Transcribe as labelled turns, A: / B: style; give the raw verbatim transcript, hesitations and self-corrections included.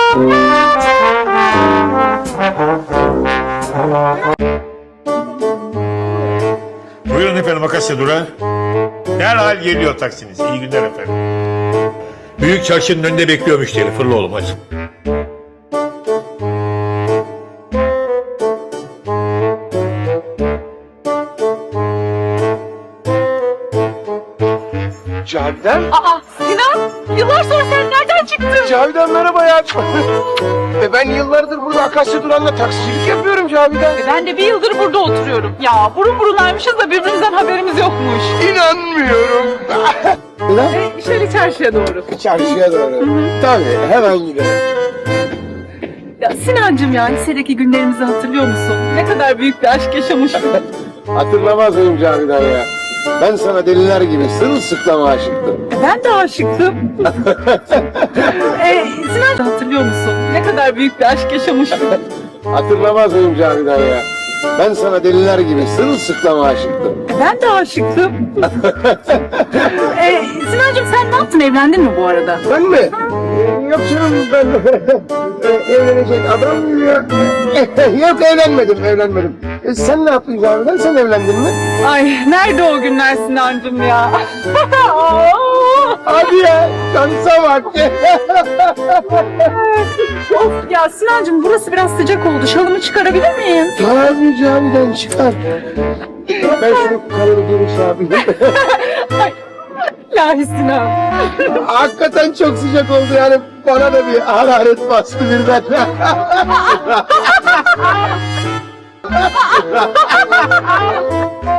A: Buyurun efendim, Akasya Durağı. Derhal geliyor taksiniz. İyi günler efendim. Büyük çarşının önünde bekliyor müşteri. Fırla oğlum hadi.
B: Cavidan?
C: Aa Sinan, yıllar sonra sen nereden çıktın?
B: Cavidan merhaba ya. e ben yıllardır burada Akasya Duran'la taksicilik yapıyorum Cavidan.
C: E, ben de bir yıldır burada oturuyorum. Ya burun burunaymışız da birbirimizden haberimiz yokmuş.
B: İnanmıyorum.
C: E, şöyle çarşıya doğru.
B: Çarşıya doğru. Tabii hemen gidelim.
C: Ya Sinancığım ya lisedeki günlerimizi hatırlıyor musun? Ne kadar büyük bir aşk yaşamıştık.
B: Hatırlamaz mıyım Cavidan ya? Ben sana deliler gibi sırılsıklam aşıktım.
C: E, ben de aşıktım. e, Sinancığım hatırlıyor musun? Ne kadar büyük bir aşk yaşamıştık.
B: Hatırlamaz mıyım Cavidan ya? Ben sana deliler gibi sırılsıklam aşıktım.
C: E, ben de aşıktım. e, Sinancığım sen ne yaptın? Evlendin mi bu arada?
B: Ben mi? Ee, Yok canım ben e, evlenecek adam mıyım ya? Yok evlenmedim evlenmedim. E, sen ne yaptın Cavidan? Sen evlendin mi?
C: Ay nerede o günler Sinancığım ya?
B: Hadi ya şansa bak.
C: Of ya Sinancığım burası biraz sıcak oldu. Şalımı çıkarabilir miyim?
B: Tabii Cavidan çıkar. Ben şunu karını geniş yapayım.
C: İlahi Sinan.
B: Hakikaten çok sıcak oldu yani bana da bir hararet bastı birden.